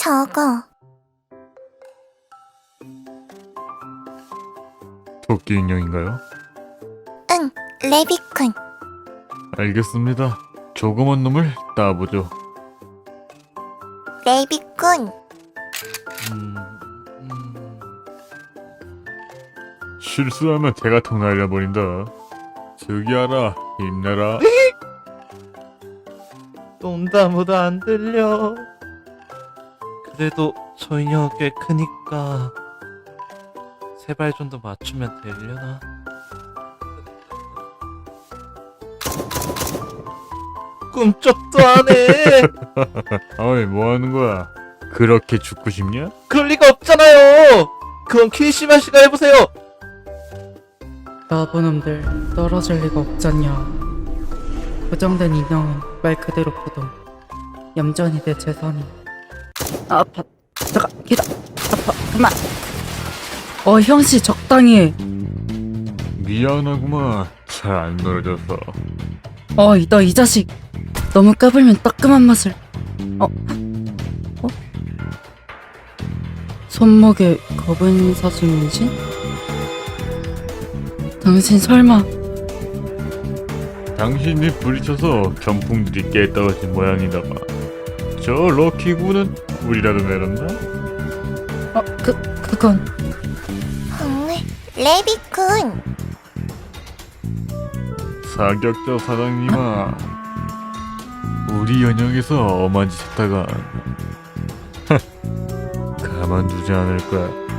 저거. 토끼 인형인가요? 응, 레비쿤. 알겠습니다. 조그만 놈을 따보죠. 레비쿤. 실수하면 대가통 날려버린다. 저기하라, 힘내라. 농담으로 안 들려. 그래도 저 인형 꽤 크니까 세발 정도 맞추면 되려나? 꿈쩍도 안 해. 어이, 뭐하는 거야? 그렇게 죽고 싶냐? 그럴 리가 없잖아요. 그건 키리시마 씨가 해보세요. 나부놈들 떨어질 리가 없잖냐. 고정된 인형은 말 그대로 부동. 얌전히 내 재산이. 아파. 잠깐 기다. 아파. 그만. 형씨 적당히 해. 미안하구만. 잘 안 놀아줘서. 너 이 자식. 너무 까불면 따끔한 맛을. 손목에 검은 사진이지? 당신 설마 당신이 부딪혀서 경풍들이 깨떨어진 모양이다 봐. 저 럭키군은 우리라도 내렸나? 그건 레비쿤. 사격자 사장님아, 우리 연영에서 엄한 짓 했다가 가만두지 않을 거야.